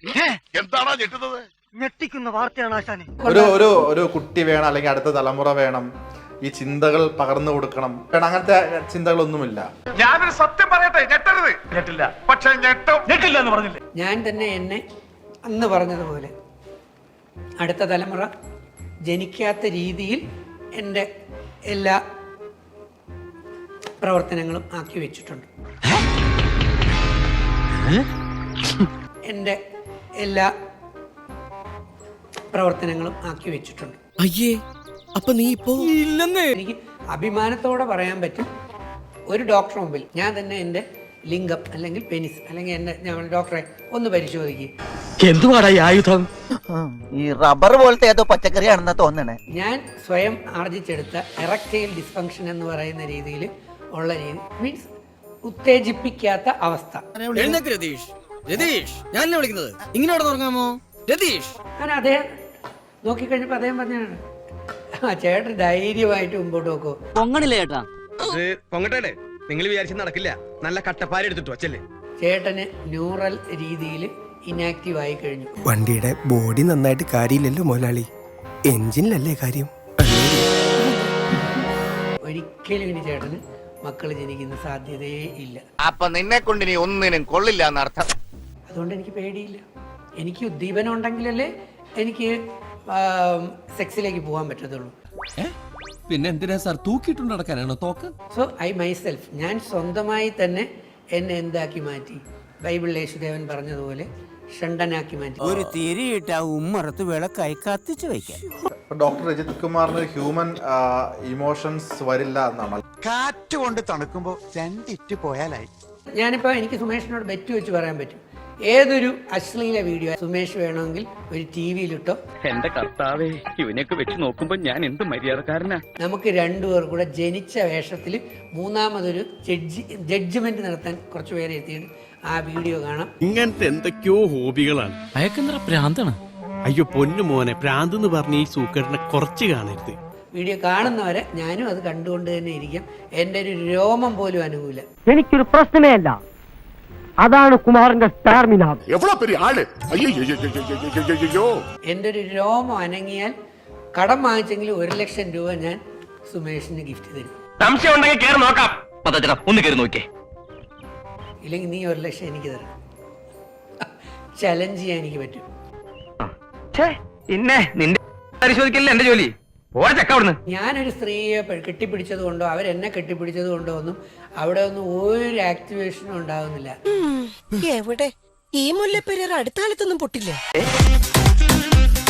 എന്താണോ ഞെട്ടുന്നത്? ഞെട്ടിക്കുന്ന വാർത്തയാണ് ആശാനെ. ഒരു കുട്ടി വേണം, അല്ലെങ്കിൽ അടുത്ത തലമുറ വേണം, ഈ ചിന്തകൾ പകർന്നു കൊടുക്കണം, അങ്ങനത്തെ ചിന്തകളൊന്നുമില്ല. ഞാനൊരു സത്യം പറയട്ടെ, ഞെട്ടരുത്. ഞെട്ടില്ല, പക്ഷെ ഞെട്ടില്ല എന്ന് പറഞ്ഞില്ലേ? ഞാൻ തന്നെ എന്നെ അന്ന് പറഞ്ഞതുപോലെ അടുത്ത തലമുറ ജനിക്കാത്ത രീതിയിൽ എൻ്റെ എല്ലാ പ്രവർത്തനങ്ങളും ആക്കി വെച്ചിട്ടുണ്ട്. എൻ്റെ എല്ലാ പ്രവർത്തനങ്ങളും ആക്കി വെച്ചിട്ടുണ്ട്. അയ്യേ, അപ്പൊ നീ ഇപ്പോ ഇല്ലെന്നേ. എനിക്ക് അഭിമാനത്തോടെ പറയാൻ പറ്റും, ഒരു ഡോക്ടർ മുമ്പിൽ ഞാൻ തന്നെ എൻ്റെ ലിംഗം അല്ലെങ്കിൽ പെനിസ് അല്ലെങ്കിൽ എൻ്റെ ഞാൻ ഡോക്ടറെ ഒന്ന് പരിശോധിക്കും. എന്തുവാടാ ഈ ആയുധം? ഈ റബ്ബർ പോലത്തെ ഏതോ പച്ചക്കറിയാണെന്നാ തോന്നണേ. ഞാൻ സ്വയം ആർജിച്ചെടുത്ത എറക്റ്റൈൽ ഡിസ്ഫങ്ഷൻ എന്ന് പറയുന്ന രീതിയിൽ ഉള്ള രീതി, മീൻസ് ഉത്തേജിപ്പിക്കാത്ത അവസ്ഥ. രതീഷ്, രതീഷ്, ഞാൻ വിളിക്കുന്നത് ഇങ്ങോട്ട് തുടങ്ങാമോ? രതീഷ്, അങ്ങനെ അദ്ദേഹം നോക്കിക്കഴിഞ്ഞപ്പോൾ അദ്ദേഹം പറഞ്ഞാണ്, ചേട്ടൻ ധൈര്യമായിട്ട് മുമ്പോട്ട് നോക്കൂ. പൊങ്ങണില്ല ചേട്ടാ. പൊങ്ങട്ടെ, നിങ്ങൾ വിചാരിച്ച നടക്കില്ല. നല്ല കട്ടപ്പാര എടുത്തിട്ട് വച്ചല്ലേ. ചേട്ടന് ന്യൂറൽ രീതിയിൽ ഇനാക്റ്റീവ് ആയി കഴിഞ്ഞു. വണ്ടിയുടെ ബോഡി നന്നായിട്ട് കാര്യമില്ലല്ലോ മുതലാളി, എഞ്ചിനിലല്ലേ കാര്യം. ഒരിക്കലും ഇനി ചേട്ടന് മക്കൾ ജനിക്കുന്ന സാധ്യതയേ ഇല്ല. അപ്പൊ നിന്നെ കൊണ്ട് ഇനി ഒന്നിനും കൊള്ളില്ല എന്നർത്ഥം. അതുകൊണ്ട് എനിക്ക് പേടിയില്ല. എനിക്ക് ഉദ്ദീപനം ഉണ്ടെങ്കിലല്ലേ എനിക്ക് സെക്സിലേക്ക് പോകാൻ പറ്റത്തുള്ളൂ. പിന്നെ എന്തിനാ സാർ തൂക്കിയിട്ടുണ്ട് നടക്കാനാണോ തോക്ക്? സോ ഐ മൈസെൽഫ്, ഞാൻ സ്വന്തമായി തന്നെ എന്നെ എന്താക്കി മാറ്റി, ബൈബിളിൽ യേശുദേവൻ പറഞ്ഞതുപോലെ ഷണ്ടനാക്കി മാറ്റി. ഒരു തിരിയിട്ട ഉമ്മറത്ത് വിളക്കായി കത്തിച്ചു വയ്ക്കാൻ. ഡോക്ടർ രജിത് കുമാറിന് ഹ്യൂമൻ ഇമോഷൻസ് വരില്ല എന്നാണ്. കാറ്റ് കൊണ്ട് തണുക്കുമ്പോ രണ്ടിറ്റ് പോയാലായി. ഞാനിപ്പോൾ എനിക്ക് സുമേഷിനോട് ബെറ്റ് വെച്ച് പറയാൻ പറ്റും, ഏതൊരു അശ്ലീല വീഡിയോ സുമേഷ് വേണമെങ്കിൽ ഒരു TV-ലിട്ടോ. എന്റെ കർത്താവേ, ഇവനെയൊക്കെ വെച്ച് നോക്കുമ്പോ ഞാൻ എന്ത് മര്യാദക്കാരനാ. നമുക്ക് രണ്ടുപേർ കൂടെ ജനിച്ച വേഷത്തിൽ മൂന്നാമതൊരു ജഡ്ജ്മെന്റ് നടത്താൻ കുറച്ച് പേരെ എത്തിയിട്ട് ആ വീഡിയോ കാണാം. ഇങ്ങനത്തെ എന്തൊക്കെയോ ഹോബികളാണ്. അയക്കെന്തറ പ്രാന്താണ്. അയ്യോ പൊന്നു മോനെ, പ്രാന്ത് എന്ന് പറഞ്ഞ ഈ സൂക്കറിനെ കുറച്ച് കാണരുത്. വീഡിയോ കാണുന്നവരെ ഞാനും അത് കണ്ടുകൊണ്ട് തന്നെ ഇരിക്കാം. എൻ്റെ ഒരു രോമം പോലും അനുകൂല. എനിക്കൊരു പ്രശ്നമേ അല്ല, അതാണ് കുമാറിന്റെ സ്റ്റാർമിന. എൻ്റെ ഒരു രോമം അനങ്ങിയാൽ കടം വാങ്ങിച്ചെങ്കിൽ 1 ലക്ഷം രൂപ ഞാൻ സുമേഷിന് ഗിഫ്റ്റ് തരും. സംശയം ഉണ്ടെങ്കിൽ കേറി നോക്കാം. ഒന്ന് കയറി നോക്കിയേ. ഇല്ലെങ്കിൽ നീ 1 ലക്ഷം എനിക്ക് തരണം. ചലഞ്ച് ചെയ്യാൻ എനിക്ക് പറ്റും. പിന്നെ നിന്റെ പരിശോധിക്കല്ലേ എന്റെ ജോലി. ഓടച്ചക്കവിടുന്ന്. ഞാനൊരു സ്ത്രീയെ കെട്ടിപ്പിടിച്ചത് കൊണ്ടോ അവരെന്നെ കെട്ടിപ്പിടിച്ചത് കൊണ്ടോ ഒന്നും അവിടെ ഒന്നും ഒരു ആക്ടിവേഷനും ഉണ്ടാകുന്നില്ല. എവിടെ ഈ മുല്ലപ്പെരിയാർ അടുത്ത കാലത്തൊന്നും പൊട്ടില്ലേ?